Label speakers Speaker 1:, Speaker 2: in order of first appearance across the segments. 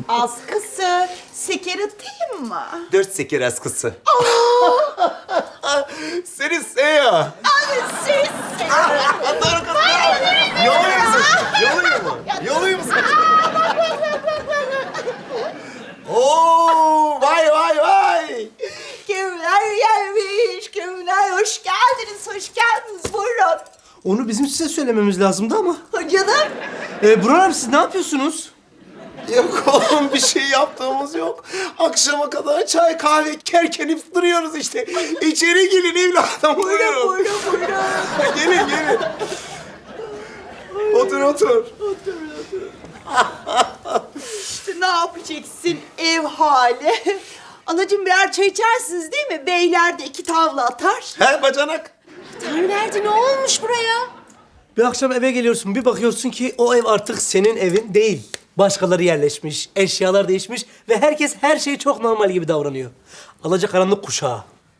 Speaker 1: Askısı, şeker atayım mı?
Speaker 2: 4 seker askısı. Seni seviyor.
Speaker 1: Siz.
Speaker 2: Doğru kız. Yoluyum saçını. Yoluyum mu? Yoluyum saçını. Oo, vay vay vay.
Speaker 1: Kimler gelmiş, kimler hoş geldiniz, hoş geldiniz. Buyurun.
Speaker 3: Onu bizim size söylememiz lazımdı ama.
Speaker 1: Canım.
Speaker 3: Burhan abi siz ne yapıyorsunuz?
Speaker 2: Yok oğlum bir şey yaptığımız yok. Akşama kadar çay kahve kerkenip duruyoruz işte. İçeri gelin evladım.
Speaker 1: Buyurun,
Speaker 2: Buyurun.
Speaker 1: buyurun.
Speaker 2: Gelin gelin. Otur otur.
Speaker 1: İşte ne yapacaksın ev hali? Anacığım birer çay içersiniz değil mi? Beyler de 2 tavla atar.
Speaker 2: He bacanak.
Speaker 1: Tanrıverdi ne olmuş buraya?
Speaker 3: Bir akşam eve geliyorsun, bir bakıyorsun ki o ev artık senin evin değil. Başkaları yerleşmiş, eşyalar değişmiş ve herkes her şey çok normal gibi davranıyor. Alacakaranlık kuşağı.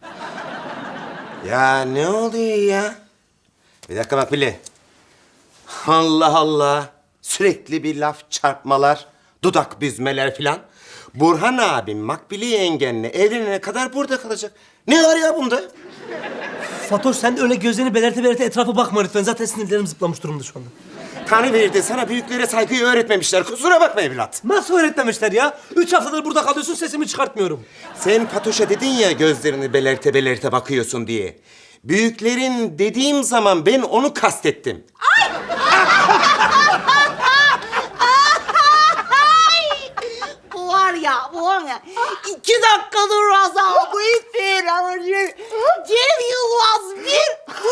Speaker 2: Ya ne oluyor ya? Bir dakika bak Billy. Allah Allah. Sürekli bir laf çarpmalar, dudak büzmeler filan. Burhan abim Makbili yengenle evlenene kadar burada kalacak. Ne var ya bunda?
Speaker 3: Fatoş sen de öyle gözlerini belerte belerte etrafa bakma lütfen. Zaten sinirlerim zıplamış durumda şu anda.
Speaker 2: Tanrı verirdi sana büyüklere saygıyı öğretmemişler. Kusura bakma evlat.
Speaker 3: Nasıl öğretmemişler ya? 3 haftadır burada kalıyorsun, sesimi çıkartmıyorum.
Speaker 2: Sen Fatoş'a dedin ya gözlerini belerte belerte bakıyorsun diye. Büyüklerin dediğim zaman ben onu kastettim.
Speaker 1: Bu var ya, bu var ya. 2 dakikadır Razal, bu bir anacığım. Cem Yılmaz bir, bu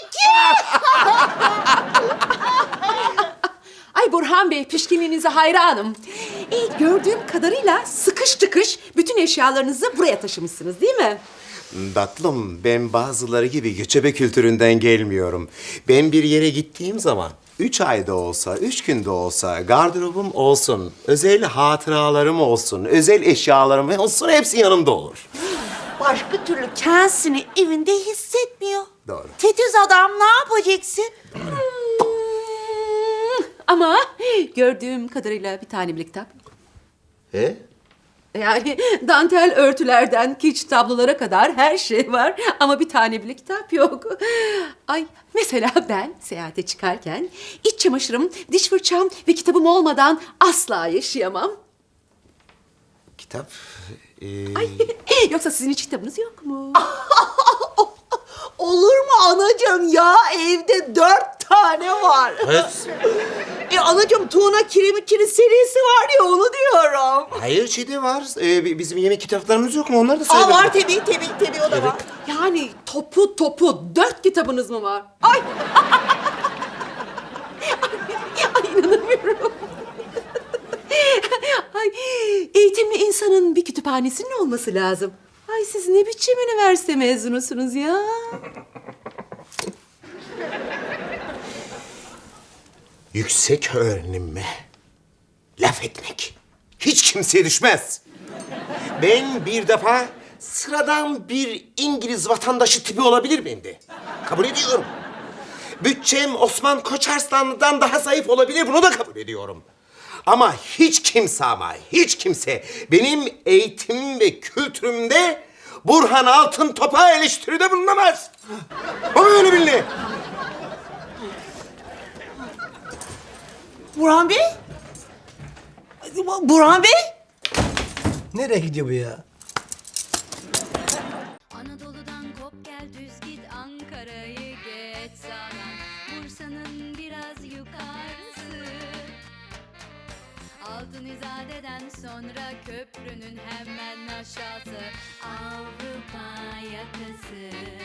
Speaker 1: 2.
Speaker 4: Ay Burhan Bey, pişkinliğinize hayranım. Gördüğüm kadarıyla sıkış tıkış bütün eşyalarınızı buraya taşımışsınız değil mi?
Speaker 2: Tatlım, ben bazıları gibi göçebe kültüründen gelmiyorum. Ben bir yere gittiğim zaman 3 ayda olsa, 3 günde olsa gardırobum olsun, özel hatıralarım olsun, özel eşyalarım olsun hepsi yanımda olur.
Speaker 1: Başka türlü kendisini evinde hissetmiyor.
Speaker 2: Doğru.
Speaker 1: Titiz adam ne yapacaksın?
Speaker 4: Ama gördüğüm kadarıyla bir tane bile kitap yok.
Speaker 2: He?
Speaker 4: Yani dantel örtülerden kiç tablolara kadar her şey var ama bir tane bile kitap yok. Ay mesela ben seyahate çıkarken iç çamaşırım, diş fırçam ve kitabım olmadan asla yaşayamam.
Speaker 2: Kitap?
Speaker 4: Ay yoksa sizin hiç kitabınız yok mu?
Speaker 1: Olur mu anacığım ya? Evde 4 tane var.
Speaker 2: Kız.
Speaker 1: Anacığım Tuğna Kiremikçi'nin serisi var ya onu diyorum.
Speaker 2: Hayır şeyde var. Bizim yemek kitaplarımız yok mu? Onları da
Speaker 1: Aa
Speaker 2: sayabilirim.
Speaker 1: var tabii o da var.
Speaker 4: Yani topu 4 kitabınız mı var? Ay! Ay inanamıyorum. Ay eğitimli insanın bir kütüphanesinin olması lazım. Ay siz ne biçim üniversite mezunusunuz ya?
Speaker 2: Yüksek öğrenime laf etmek hiç kimseye düşmez. Ben bir defa sıradan bir İngiliz vatandaşı tipi olabilir miyim de? Kabul ediyorum. Bütçem Osman Koçarslanlı'dan daha zayıf olabilir, bunu da kabul ediyorum. Ama hiç kimse benim eğitimim ve kültürümde Burhan Altıntop'a eleştiride bulunamaz. Bu böyle bilin.
Speaker 1: Burhan Bey? Burhan Bey?
Speaker 3: Nereye gidiyor bu ya?
Speaker 5: Anadolu'dan kop gel düz git Ankara'yı geç sağdan Bursa'nın biraz yukarısı Altın İzade'den sonra köprünün hemen aşağısı Avrupa yakası